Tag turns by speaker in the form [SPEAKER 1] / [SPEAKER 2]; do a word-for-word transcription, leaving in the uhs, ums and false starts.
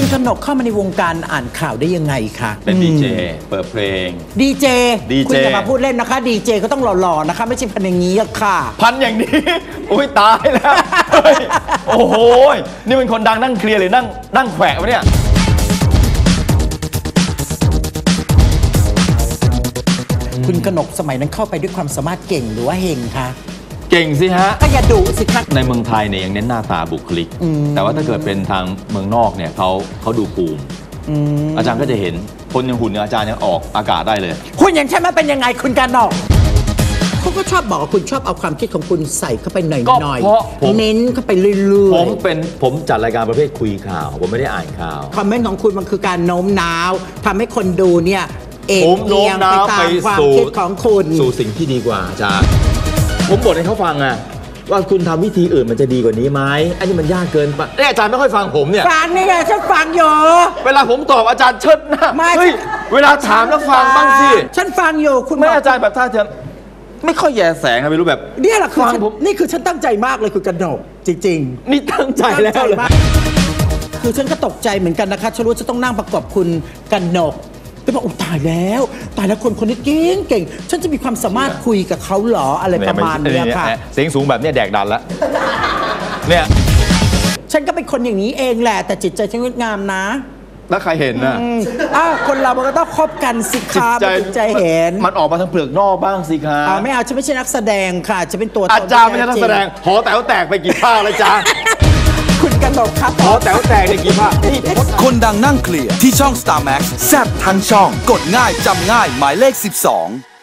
[SPEAKER 1] กนกเข้ามาในวงการอ่านข่าวได้ยังไงคะ
[SPEAKER 2] เป็นดีเจเปิดเพลง
[SPEAKER 1] ดีเจ
[SPEAKER 2] ดีเจ
[SPEAKER 1] คุณอย่ามาพูดเล่นนะคะดีเจก็ต้องหล่อๆนะคะไม่ใช่พันอย่างนี้ค่ะ
[SPEAKER 2] พันอย่างนี้อุ้ยตายแล้วโอ้โหนี่เป็นคนดังนั่งเคลียร์หรือนั่งนั่งแขวะวะเนี่ย
[SPEAKER 1] คุณกนกสมัยนั้นเข้าไปด้วยความสามารถเก่งหรือว่าเฮงคะ
[SPEAKER 2] เก่งสิฮะ
[SPEAKER 1] ก็อย่าดุสิครับ
[SPEAKER 2] ในเมืองไทยเนี่ยยังเน้นหน้าตาบุคลิกแต่ว่าถ้าเกิดเป็นทางเมืองนอกเนี่ยเขาเขาดูภูมิอาจารย์ก็จะเห็นคนอย่างหุ่นอาจารย์ยังออกอากาศได้เลย
[SPEAKER 1] คุณอย่างฉันมันเป็นยังไงคุณกนกเขาก็ชอบบอกว่าคุณชอบเอาความคิดของคุณใส่เข้าไปหน่อยๆ
[SPEAKER 2] ก็เพราะผม
[SPEAKER 1] เน้นเข้าไปเรื่อย
[SPEAKER 2] ๆผมเป็นผมจัดรายการประเภทคุยข่าวผมไม่ได้อ่านข่าว
[SPEAKER 1] คอมเมนต์ของคุณมันคือการโน้มน้าวทำให้คนดูเนี่ยเอ็นเอียงไปตามความคิดของคุณ
[SPEAKER 2] สู่สิ่งที่ดีกว่าอาจารย์ผมบ่นให้เขาฟังอะว่าคุณทำวิธีอื่นมันจะดีกว่านี้ไหมอันนี้มันยากเกินไปอาจารย์ไม่ค่อยฟังผมเนี่ย
[SPEAKER 1] ฟังนี่ไงฉันฟังอยู่
[SPEAKER 2] เวลาผมตอบอาจารย์เชิดหน้าเฮ้ยเวลาถามแล้วฟังบ้างสิ
[SPEAKER 1] ฉันฟังอยู่คุณ
[SPEAKER 2] ไม่อาจารย์แบบท่าเธอไม่ค่อยแย่แสงอะไม่รู้แบบ
[SPEAKER 1] เนี่ยแหละคือนี่คือฉันตั้งใจมากเลยคือกระโดดจริง
[SPEAKER 2] ๆนี่ตั้งใจแล้วเลย
[SPEAKER 1] คือฉันก็ตกใจเหมือนกันนะคะฉันรู้จะต้องนั่งประกอบคุณกนกแล้วบอกโอ้ตายแล้วตายแล้วคนคนนี้เก่งเก่งฉันจะมีความสามารถคุยกับเขาหรออะไรประมาณนี้ค่ะ
[SPEAKER 2] เสียงสูงแบบนี้แดกดันแล้วเนี่ย
[SPEAKER 1] ฉันก็เป็นคนอย่างนี้เองแหละแต่จิตใจฉันงดงามนะ
[SPEAKER 2] แล้วใครเห็นนะ
[SPEAKER 1] อ้าวคนเรามันก็ต้องคบกันสิคะจิตใจเห็น
[SPEAKER 2] มันออกมาทางเปลือกนอกบ้างสิคะ
[SPEAKER 1] อ่าไม่เอาฉันไม่ใช่นักแสดงค่ะจะเป็นตัว
[SPEAKER 2] อาจารย์ไม่ใช่นักแสดงหอแต๋วแตกไปกี่ภาคแล้วจ้า
[SPEAKER 1] คุณกนกครับ
[SPEAKER 2] หอแต๋วแตกในกี่ภาค
[SPEAKER 3] คนดังนั่งเคลียร์ที่ช่อง สตาร์ แม็กซ์ แซ่บทั้งช่องกดง่ายจำง่ายหมายเลขสิบสอง